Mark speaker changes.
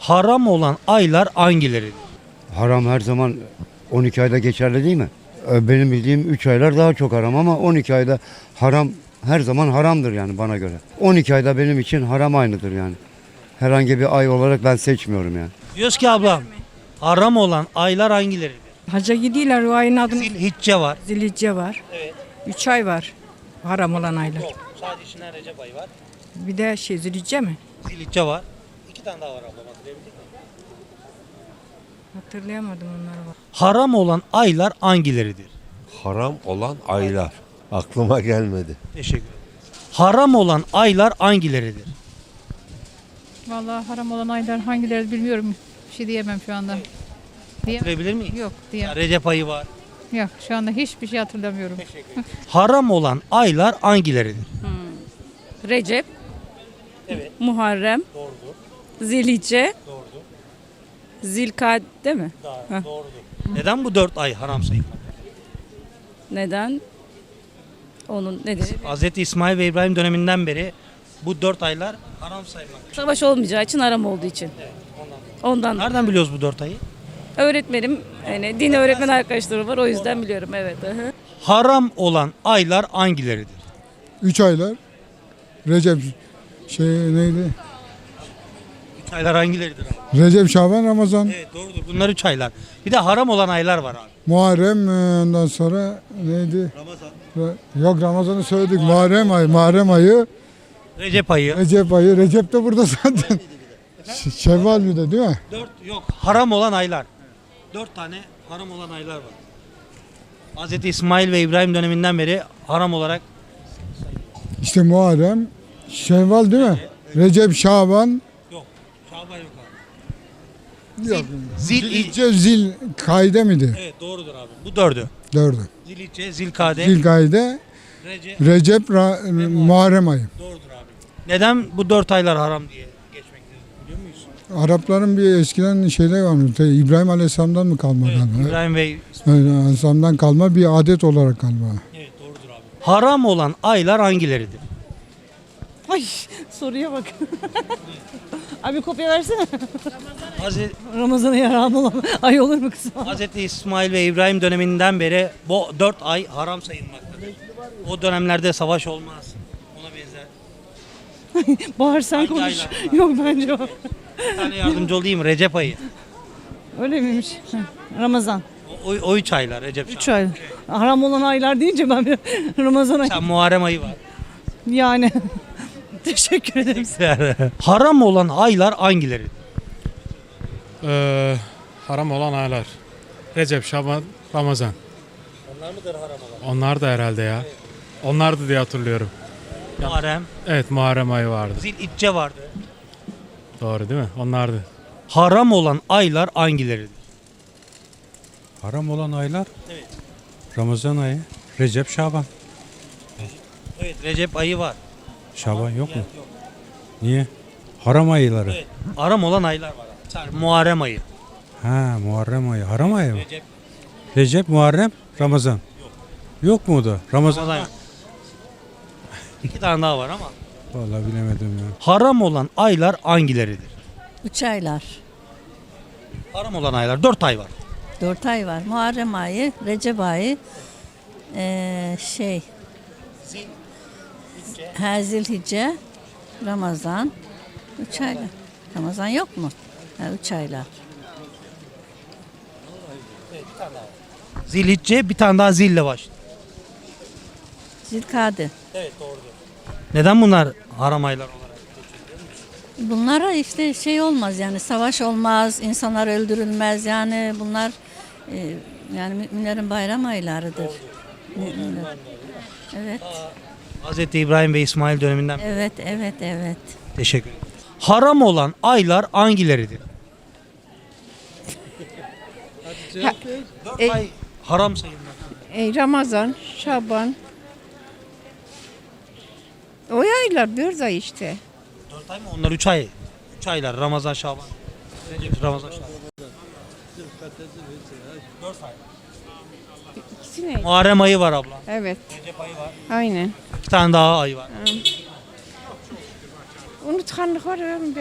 Speaker 1: Haram olan aylar hangileridir?
Speaker 2: Haram her zaman 12 ayda geçerli değil mi? Benim bildiğim 3 aylar daha çok haram ama 12 ayda haram her zaman haramdır yani bana göre. 12 ayda benim için haram aynıdır yani. Herhangi bir ay olarak ben seçmiyorum yani.
Speaker 1: Diyoruz ki ablam, haram olan aylar hangileridir?
Speaker 3: Hacca gidiyorlar, o ayın adını
Speaker 1: Zilhicce var.
Speaker 3: Zilhicce var.
Speaker 1: Evet.
Speaker 3: 3 ay var haram olan aylar.
Speaker 1: Yok. Sadece içinden Recep ayı var.
Speaker 3: Bir de Zilhicce mi?
Speaker 1: Zilhicce var. 2 tane daha var ablam, hatırlayabildik mi?
Speaker 3: Hatırlayamadım onları.
Speaker 1: Haram olan aylar hangileridir?
Speaker 4: Haram olan aylar. Aklıma gelmedi.
Speaker 1: Teşekkür ederim. Haram olan aylar hangileridir?
Speaker 5: Vallahi haram olan aylar hangileri bilmiyorum. Bir şey diyemem şu anda.
Speaker 1: Hatırlayabilir miyim?
Speaker 5: Yok diyemem.
Speaker 1: Recep ayı var.
Speaker 5: Yok şu anda hiçbir şey hatırlamıyorum.
Speaker 1: Haram olan aylar hangileridir?
Speaker 6: Recep,
Speaker 1: Evet.
Speaker 6: Muharrem,
Speaker 1: Doğrudur.
Speaker 6: Zilhicce,
Speaker 1: Doğrudur.
Speaker 6: Zilkade mi?
Speaker 1: Doğrudur. Neden bu 4 ay haram sayılır?
Speaker 6: Neden? Onun nedeni
Speaker 1: Hz. İsmail ve İbrahim döneminden beri bu 4 aylar haram sayılmaktadır.
Speaker 6: savaş olmayacağı için haram olduğu için. Ondan
Speaker 1: Nereden biliyoruz bu 4 ayı?
Speaker 6: öğretmenim, yani din öğretmen arkadaşlarım var, o yüzden biliyorum, evet. Hı.
Speaker 1: Haram olan aylar hangileridir?
Speaker 7: 3 aylar. Recep neydi?
Speaker 1: 3 aylar hangileridir abi?
Speaker 7: Recep, Şaban, Ramazan,
Speaker 1: Evet doğrudur. Bunlar 3 aylar. Bir de haram olan aylar var abi.
Speaker 7: Muharrem, ondan sonra neydi? Yok, Ramazan'ı söyledik. Muharrem ayı,
Speaker 1: Recep ayı.
Speaker 7: Recep ayı. Recep de burada zaten. Şevval bir de değil mi?
Speaker 1: 4 yok. Haram olan aylar. 4 tane haram olan aylar var. Hz. İsmail ve İbrahim döneminden beri haram olarak
Speaker 7: İşte Muharrem, Şevval değil mi? Recep, Şaban,
Speaker 1: yok. Şaban yok abi.
Speaker 7: yok.
Speaker 1: Zil
Speaker 7: Zilkayde miydi?
Speaker 1: Evet doğrudur abi. Bu 4'ü.
Speaker 7: 4'ü.
Speaker 1: Zilhicce, Zilkade,
Speaker 7: Zilkayde,
Speaker 1: Recep.
Speaker 7: Recep, Muharrem ayı.
Speaker 1: Doğrudur abi. Neden bu 4 aylar haram diye geçmektedir biliyor muyuz?
Speaker 7: Arapların bir eskiden şeyler varmış. İbrahim Aleyhisselam'dan mı kalma
Speaker 1: Evet,
Speaker 7: galiba?
Speaker 1: İbrahim ve
Speaker 7: Aleyhisselam'dan kalma bir adet olarak kalma.
Speaker 1: evet doğrudur abi. Haram olan aylar hangileridir?
Speaker 8: Ay soruya bak. Abi kopya versene.
Speaker 1: Hz.
Speaker 8: Ramazan'a yaram olan ay olur mu kızım?
Speaker 1: Hz. İsmail ve İbrahim döneminden beri bu 4 ay haram sayılmaktadır. O dönemlerde savaş olmaz. Ona benzer.
Speaker 8: Bahar sen
Speaker 1: Hangi
Speaker 8: konuş.
Speaker 1: aylar?
Speaker 8: Yok bence o.
Speaker 1: Bir tane yardımcı olayım. Recep ayı.
Speaker 8: Öyle miymiş? Ramazan.
Speaker 1: O 3 aylar Recep.
Speaker 8: 3 ay. Haram olan aylar deyince ben bir Ramazan'a
Speaker 1: Sen Muharrem ayı var.
Speaker 8: yani. Teşekkür ederim.
Speaker 1: Haram olan aylar hangileridir?
Speaker 9: Haram olan aylar. Recep, Şaban, Ramazan.
Speaker 1: Onlar mıdır haram olan?
Speaker 9: Onlar da herhalde ya. Onlardı diye hatırlıyorum.
Speaker 1: Muharrem,
Speaker 9: Evet, Muharrem ayı vardı.
Speaker 1: Zilhicce vardı.
Speaker 9: Doğru değil mi? Onlardı.
Speaker 1: Haram olan aylar hangileridir?
Speaker 10: Haram olan aylar
Speaker 1: Evet.
Speaker 10: Ramazan ayı, Recep, Şaban.
Speaker 1: Evet Recep ayı var.
Speaker 10: Şaban yok mu?
Speaker 1: Yok.
Speaker 10: Niye? Haram ayları.
Speaker 1: Evet. Haram olan aylar var. Sen Muharrem ayı.
Speaker 10: Ha, Muharrem ayı. Haram ayı mı?
Speaker 1: Recep.
Speaker 10: Recep, Muharrem, Ramazan. Yok mu o da? Ramazan.
Speaker 1: Ramazan yok. 2 tane daha var ama.
Speaker 10: Vallahi bilemedim ya.
Speaker 1: Haram olan aylar hangileridir?
Speaker 11: 3 aylar.
Speaker 1: Haram olan aylar 4 ay var.
Speaker 11: 4 ay var. Muharrem ayı, Recep ayı, Zilhicce, Ramazan. 3 aylar. Ramazan yok mu? 3 aylar.
Speaker 1: Zilhicce bir tane daha zille başlıyor.
Speaker 11: Zilkade.
Speaker 1: Evet doğrudur. Neden bunlar haram aylar olarak?
Speaker 11: Bunlara işte şey olmaz yani savaş olmaz, insanlar öldürülmez yani bunlar yani müminlerin bayram aylarıdır. Müminler. Evet,
Speaker 1: Hz. İbrahim ve İsmail döneminden beri.
Speaker 11: evet.
Speaker 1: Teşekkür ederim. Haram olan aylar hangileridir? 4 ay haram sayılmaktadır.
Speaker 3: Ramazan, Şaban. O aylar 4 ay işte.
Speaker 1: 4 ay mı? Onlar 3 ay. 3 aylar. Ramazan, Şaban. Recep, Ramazan, Şaban. 4 ay.
Speaker 3: İkisi ne?
Speaker 1: Muharrem ayı var abla.
Speaker 3: Evet,
Speaker 1: Recep ayı var.
Speaker 3: aynen.
Speaker 1: 2 tane daha ay var.
Speaker 3: Unutkanlık var.